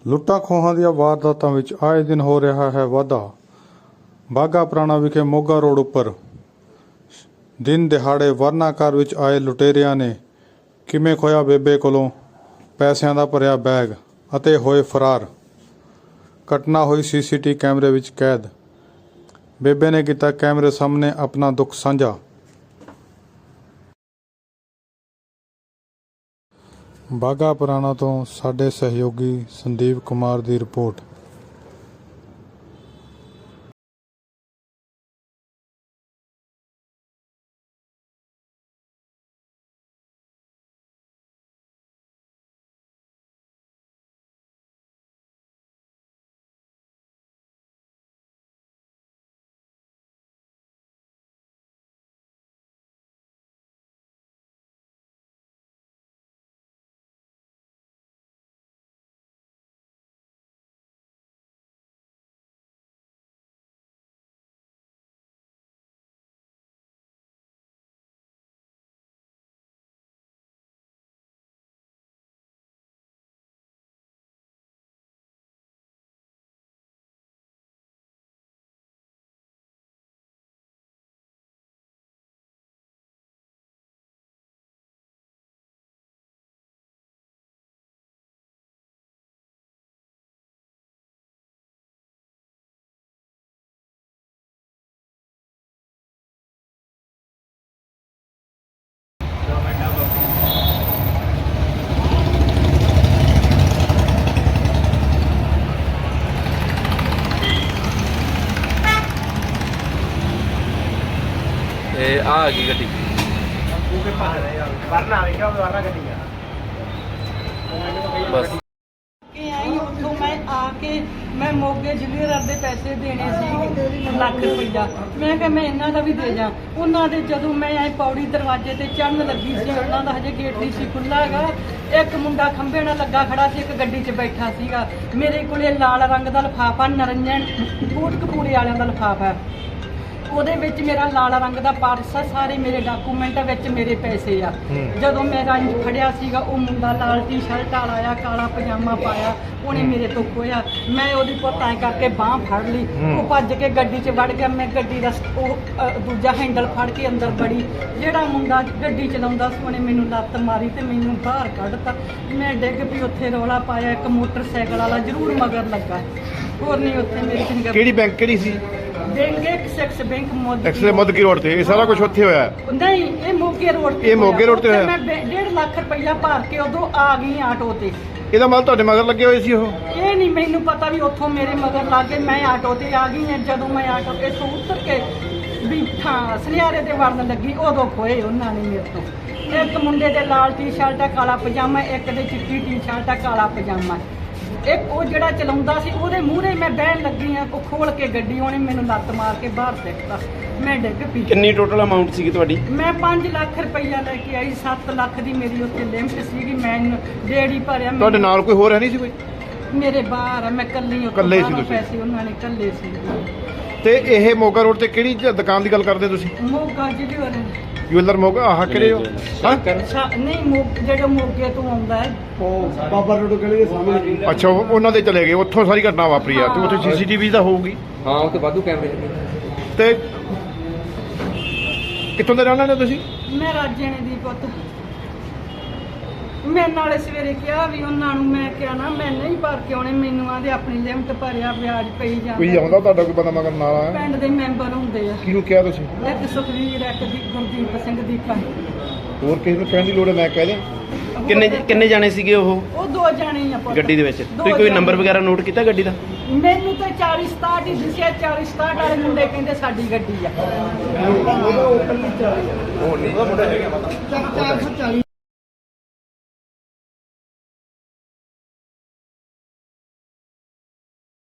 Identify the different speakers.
Speaker 1: ਲੁੱਟਾਂ ਖੋਹਾਂ ਦੀਆਂ ਵਾਰਦਾਤਾਂ ਵਿੱਚ ਆਏ ਦਿਨ ਹੋ ਰਿਹਾ ਹੈ ਵਾਧਾ। ਬਾਘਾ ਪੁਰਾਣਾ ਵਿਖੇ ਮੋਗਾ ਰੋਡ ਉੱਪਰ ਦਿਨ ਦਿਹਾੜੇ ਵਰਨਾਕਾਰ ਵਿੱਚ ਆਏ ਲੁਟੇਰਿਆਂ ਨੇ ਕਿਵੇਂ ਖੋਇਆ ਬੇਬੇ ਕੋਲੋਂ ਪੈਸਿਆਂ ਦਾ ਭਰਿਆ ਬੈਗ ਅਤੇ ਹੋਏ ਫਰਾਰ। ਘਟਨਾ ਹੋਈ ਸੀਸੀਟੀ ਕੈਮਰੇ ਵਿੱਚ ਕੈਦ। ਬੇਬੇ ਨੇ ਕੀਤਾ ਕੈਮਰੇ ਸਾਹਮਣੇ ਆਪਣਾ ਦੁੱਖ ਸਾਂਝਾ। ਬਾਘਾ ਪੁਰਾਣਾ ਤੋਂ ਸਾਡੇ ਸਹਿਯੋਗੀ ਸੰਦੀਪ ਕੁਮਾਰ ਦੀ ਰਿਪੋਰਟ।
Speaker 2: आ गई गड्डी बस
Speaker 3: ਉੱਥੋਂ ਮੈਂ ਆ ਕੇ ਮੈਂ ਮੋਗੇ ਜ਼ਿਲ੍ਹੇਦਾਰ ਦੇ ਪੈਸੇ ਦੇਣੇ ਸੀ ਲੱਖ ਰੁਪਈਆ। ਮੈਂ ਕਿਹਾ ਮੈਂ ਇਹਨਾਂ ਦਾ ਵੀ ਦੇ ਜਾ। ਉਹਨਾਂ ਦੇ ਜਦੋਂ ਮੈਂ ਐ ਪੌੜੀ ਦਰਵਾਜ਼ੇ ਤੇ ਚੜ੍ਹਨ ਲੱਗੀ ਸੀ, ਉਹਨਾਂ ਦਾ ਹਜੇ ਗੇਟ ਨਹੀਂ ਸੀ ਖੁੱਲ੍ਹਾ ਹੈਗਾ। ਇੱਕ ਮੁੰਡਾ ਖੰਭੇ ਨਾਲ ਲੱਗਾ ਖੜਾ ਸੀ, ਇੱਕ ਗੱਡੀ 'ਚ ਬੈਠਾ ਸੀਗਾ। ਮੇਰੇ ਕੋਲੇ ਲਾਲ ਰੰਗ ਦਾ ਲਿਫਾਫਾ, ਨਰੰਜਨ ਕੋਟਕਪੂਰੇ ਵਾਲਿਆਂ ਦਾ ਲਿਫਾਫਾ, ਉਹਦੇ ਵਿੱਚ ਮੇਰਾ ਲਾਲ ਰੰਗ ਦਾ ਪਰਸ ਆ, ਸਾਰੇ ਮੇਰੇ ਡਾਕੂਮੈਂਟ ਵਿੱਚ ਮੇਰੇ ਪੈਸੇ ਆ। ਜਦੋਂ ਮੈਂ ਰੰਜ ਫੜਿਆ ਸੀਗਾ, ਉਹ ਮੁੰਡਾ ਲਾਲ ਟੀ-ਸ਼ਰਟ ਵਾਲਾ ਆਇਆ, ਕਾਲਾ ਪਜਾਮਾ ਪਾਇਆ, ਉਹਨੇ ਮੇਰੇ ਤੋਂ ਖੋਇਆ। ਮੈਂ ਉਹਦੀ ਪੁੱਤਾਂ ਕਰਕੇ ਬਾਂਹ ਫੜ ਲਈ, ਉਹ ਭੱਜ ਕੇ ਗੱਡੀ 'ਚ ਵੜ ਗਿਆ। ਮੈਂ ਗੱਡੀ ਦਾ ਦੂਜਾ ਹੈਂਡਲ ਫੜ ਕੇ ਅੰਦਰ ਵੜੀ। ਜਿਹੜਾ ਮੁੰਡਾ ਗੱਡੀ ਚਲਾਉਂਦਾ ਸੀ ਉਹਨੇ ਮੈਨੂੰ ਲੱਤ ਮਾਰੀ ਤੇ ਮੈਨੂੰ ਬਾਹਰ ਕੱਢਤਾ। ਮੈਂ ਡਿੱਗ ਪਈ, ਉੱਥੇ ਰੌਲਾ ਪਾਇਆ। ਇੱਕ ਮੋਟਰਸਾਈਕਲ ਵਾਲਾ ਜ਼ਰੂਰ ਮਗਰ ਲੱਗਾ, ਹੋਰ ਨਹੀਂ ਉੱਥੇ ਮੇਰੀ ਫਿੰਗਰ।
Speaker 4: ਕਿਹੜੀ ਬੈਂਕ ਕਿਹੜੀ ਸੀ?
Speaker 3: Bank Axis bank
Speaker 4: Modki road ਤੇ। ਇਹ ਸਾਰਾ ਕੁਝ ਉੱਥੇ ਹੋਇਆ?
Speaker 3: ਨਹੀਂ, ਇਹ ਮੋਗੇ ਰੋਡ ਤੇ।
Speaker 4: ਇਹ ਮੋਗੇ ਰੋਡ ਤੇ ਹੋਇਆ?
Speaker 3: ਮੈਂ 1.5 ਲੱਖ ਰੁਪਈਆ ਭਰ ਕੇ ਉਦੋਂ ਆ ਗਈ ਆਟੋ ਤੇ।
Speaker 4: ਇਹਦਾ ਮਤਲਬ ਤੁਹਾਡੇ ਮਗਰ ਲੱਗੇ ਹੋਏ ਸੀ ਉਹ?
Speaker 3: ਇਹ ਨਹੀਂ ਮੈਨੂੰ ਪਤਾ ਵੀ ਉੱਥੋਂ ਮੇਰੇ ਮਗਰ ਲੱਗ ਗਏ। ਮੈਂ ਆਟੋ ਤੇ ਆ ਗਈ ਹਾਂ। ਜਦੋਂ ਮੈਂ ਆਟੋ ਤੇ ਤੋਂ ਉਤਰ ਕੇ ਵੀ ਸੁਨਿਆਰੇ ਦੇ ਵੜਨ ਲੱਗੀ, ਉਦੋਂ ਖੋਏ ਉਹਨਾਂ ਨੇ ਮੇਰੇ ਤੋਂ। ਇੱਕ ਮੁੰਡੇ ਦੇ ਲਾਲ ਟੀ-ਸ਼ਰਟ ਆ, ਕਾਲਾ ਪਜਾਮਾ, ਇੱਕ ਦੇ ਚਿੱਟੀ ਟੀ-ਸ਼ਰਟ ਆ, ਕਾਲਾ ਪਜਾਮਾ। ਇੱਕ ਉਹ ਜਿਹੜਾ ਚਲਾਉਂਦਾ ਸੀ, ਉਹਦੇ ਮੂਹਰੇ ਮੈਂ ਬਹਿਣ ਲੱਗੀ ਆ। ਉਹ ਖੋਲ ਕੇ ਗੱਡੀ, ਉਹਨੇ ਮੈਨੂੰ ਲੱਤ ਮਾਰ ਕੇ ਬਾਹਰ ਫੇਕਤਾ। ਮੈਂ ਡਿੱਗ ਪਈ।
Speaker 2: ਕਿੰਨੀ ਟੋਟਲ ਅਮਾਉਂਟ ਸੀਗੀ ਤੁਹਾਡੀ?
Speaker 3: ਮੈਂ 5 ਲੱਖ ਰੁਪਈਆ ਲੈ ਕੇ ਆਈ। 7 ਲੱਖ ਦੀ ਮੇਰੀ ਉੱਥੇ ਲਿਮਟ ਸੀਗੀ। ਮੈਂ ਡੇੜੀ ਭਰਿਆ।
Speaker 4: ਤੁਹਾਡੇ ਨਾਲ ਕੋਈ ਹੋਰ ਹੈ ਨਹੀਂ ਸੀ ਕੋਈ?
Speaker 3: ਮੇਰੇ ਬਾਹਰ ਆ, ਮੈਂ ਕੱਲੀ
Speaker 4: ਇਕੱਲੇ ਸੀ ਤੁਸੀਂ?
Speaker 3: ਪੈਸੇ ਉਹਨਾਂ ਨੇ ਕੱਲੇ ਸੀ।
Speaker 4: ਤੇ ਇਹ ਮੋਗਾ ਰੋਡ ਤੇ ਕਿਹੜੀ ਦੁਕਾਨ ਦੀ ਗੱਲ ਕਰਦੇ ਤੁਸੀਂ?
Speaker 3: ਮੋਗਾ ਜਿਹੜੇ
Speaker 4: ਜੁਐਲਰ ਮੋਗਾ ਆਹ ਕਿਹੜੇ ਹੋ?
Speaker 3: ਨਹੀਂ, ਜਿਹੜਾ ਮੋਗੇ ਤੋਂ ਆਉਂਦਾ ਹੈ,
Speaker 4: ਉਹ ਬਾਬਾ ਰੋਡ ਗਲੀ ਦੇ ਸਾਹਮਣੇ। ਅੱਛਾ, ਉਹਨਾਂ ਦੇ ਚਲੇ ਗਏ। ਉੱਥੋਂ ਸਾਰੀ ਘਟਨਾ ਵਾਪਰੀ ਆ। ਤੇ ਉੱਥੇ ਸੀਸੀਟੀਵੀ ਤਾਂ ਹੋਊਗੀ?
Speaker 2: ਹਾਂ, ਉੱਥੇ ਵਾਧੂ ਕੈਮਰੇ ਲੱਗੇ।
Speaker 4: ਤੇ ਕਿੱਥੋਂ ਦੇ ਰਹਿਣ ਵਾਲੇ ਤੁਸੀਂ?
Speaker 3: ਮੈਂ ਰਾਜੇਣੇ ਦੀ ਪੁੱਤ। ਮੈਂ ਨਾਲੇ ਸਵੇਰੇ ਕਿਹਾ ਵੀ ਉਹਨਾਂ ਨੂੰ, ਮੈਂ ਕਿਹਾ ਨਾ ਮੈਂ ਨਹੀਂ ਭਰ ਕੇ ਆਉਣੇ। ਮੈਨੂੰ ਆਂਦੇ ਆਪਣੀ ਲਿਮਟ ਭਰਿਆ, ਵਿਆਜ ਪਈ ਜਾਂਦਾ।
Speaker 4: ਕੋਈ ਆਉਂਦਾ ਤੁਹਾਡਾ ਕੋਈ ਬੰਦਾ ਮਗਰ ਨਾਲ ਆਇਆ?
Speaker 3: ਪਿੰਡ ਦੇ ਮੈਂਬਰ ਹੁੰਦੇ ਆ।
Speaker 4: ਕਿਹਨੂੰ ਕਿਹਾ ਤੁਸੀਂ?
Speaker 3: ਇੱਕ ਸੁਖਵੀਰ, ਇੱਕ ਦੀ ਗੁਰਦੀਪ ਸਿੰਘ ਦੀਪਾ।
Speaker 4: ਹੋਰ ਕਿਸੇ ਨੂੰ ਕਹਿਣ ਦੀ ਲੋੜ ਹੈ? ਮੈਂ ਕਹਿ ਦਿਆਂ।
Speaker 2: ਕਿੰਨੇ ਜਾਣੇ ਸੀਗੇ ਉਹ?
Speaker 3: ਉਹ 2 ਜਾਣੇ ਹੀ ਆ ਪੁੱਤ।
Speaker 2: ਗੱਡੀ ਦੇ ਵਿੱਚ ਤੁਸੀਂ ਕੋਈ ਨੰਬਰ ਵਗੈਰਾ ਨੋਟ ਕੀਤਾ ਗੱਡੀ ਦਾ?
Speaker 3: ਮੈਨੂੰ ਤਾਂ 40-67 ਹੀ ਦਿਸਿਆ। 40-67 ਵਾਲੇ ਮੁੰਡੇ ਕਹਿੰਦੇ ਸਾਡੀ ਗੱਡੀ ਆ।
Speaker 4: ਉਹ ਨਹੀਂ ਉਹਦਾ ਮੁੰਡਾ ਹੈਗਾ।